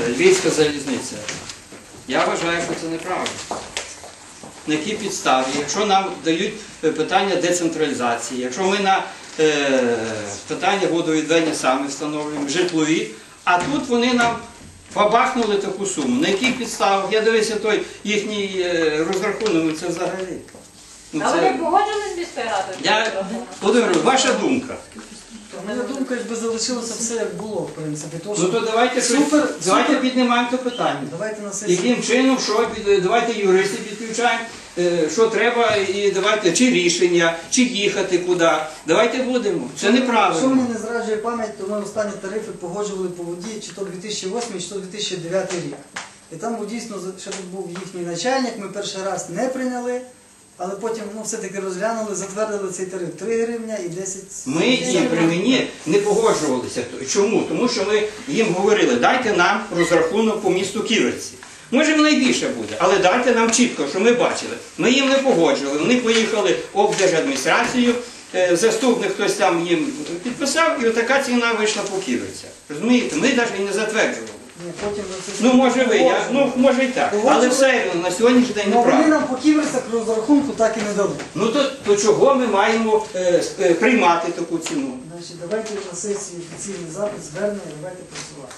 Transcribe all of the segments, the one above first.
Львівська залізниця. Я вважаю, що це неправильно. На якій підставі? Якщо нам дають питання децентралізації, якщо ми на питання водовідведення самі встановлюємо, житлові, а тут вони нам побахнули таку суму. На яких підставах? Я дивився той їхній розрахунок, це взагалі. А ви погоджувались з міською радою? Володимир, ваша думка? Моя думка, якби залишилося все як було, в принципі. Ну то давайте піднімаємо це питання. Давайте на сесії. Яким чином, давайте юристів підключаємо, що треба, і давайте, чи рішення, чи їхати куди. Давайте будемо. Це неправильно. Якщо мені не зраджує пам'ять, то ми останні тарифи погоджували по воді, чи то 2008, чи то 2009 рік. І там дійсно, ще тут був їхній начальник, ми перший раз не прийняли, але потім все-таки розглянули, затвердили цей тариф 3 гривня і 10... Ми їм при мені не погоджувалися. Чому? Тому що ми їм говорили, дайте нам розрахунок по місту Ківерці. Може найбільше буде, але дайте нам чітко, що ми бачили. Ми їм не погоджували, вони поїхали в облдержадміністрацію, заступник хтось там їм підписав, і отака ціна вийшла по Ківерцях. Розумієте? Ми навіть і не затверджували. Ну може ви, може і так, але все на сьогоднішній день неправильно. Вони нам по Ківерцях розрахунку так і не дали. Ну то чого ми маємо приймати таку ціну? Значить, давайте на сесії офіційний запит, звернення, давайте працювати.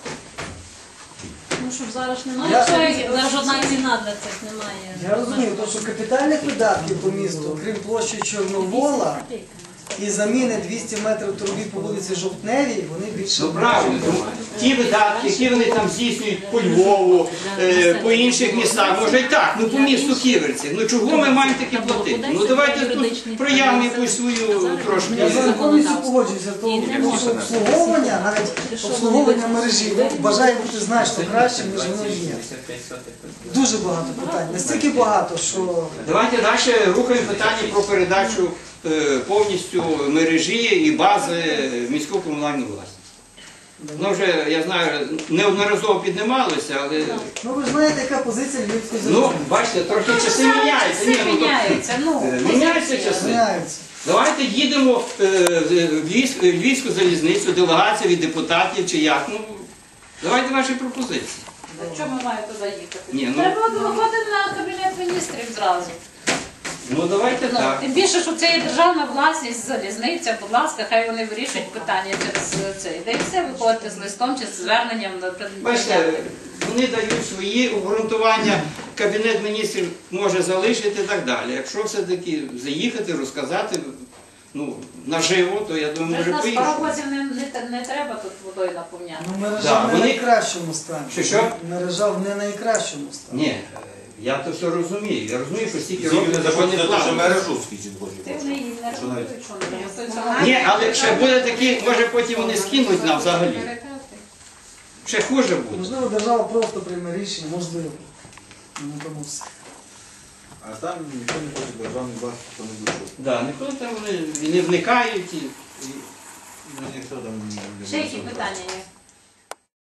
Ну, щоб зараз немає, зараз жодна ціна для цих немає. Я розумію, тому що капітальних видатків по місту, крім площі Чорновола і заміни 200 метрів труби по вулиці Жовтневій, вони більше... Ну правильно, ті видатки, які вони там здійснюють по Львову, по інших містах, може і так, ну по місту Ківерці. Ну чого ми маємо такі платити? Ну давайте тут проявимо якусь свою трошки. Я зараз повністю погоджуюся, тому що обслуговування, навіть обслуговування мережі, бажаю бути значно краще, ніж воно є. Дуже багато питань, настільки багато, що... Давайте далі рухаємо питання про передачу повністю мережі і бази в міську комунальну власність. Воно вже, я знаю, неодноразово піднімалося, але... Ну ви ж знаєте, яка позиція Львівської залізниці. Ну, бачите, трохи часи міняються. Все міняється, міняються часи. Давайте їдемо в Львівську залізницю, делегація від депутатів чи як. Ну, давайте ваші пропозиції. Чому ми маємо туди їхати? Треба виходити на Кабінет міністрів зразу. Ну давайте так. Тим більше, що це є державна власність, залізниця, будь ласка, хай вони вирішують питання через це. Де і все виходити з листом чи з зверненням. Бачите, вони дають свої обґрунтування, Кабінет міністрів може залишити і так далі. Якщо все-таки заїхати, розказати наживо, то я думаю, може поїхати. Паровозів не треба тут водою наповняти. Ну мережа в не найкращому стані. Що? Мережа в не найкращому стані. Ні. Я то все розумію. Я розумію, що стільки років що не платить. Ти вже її не рахуєш, що не. Ні, але ще буде такі, може потім вони скинуть нам взагалі. Ще хуже буде. Можливо, держава просто прийме рішення, можливо. Ну, тому все. А там ніхто не хоче державний власність, то не буде. Так, ніхто там вони не вникають. Ніхто там не... Ще які питання є?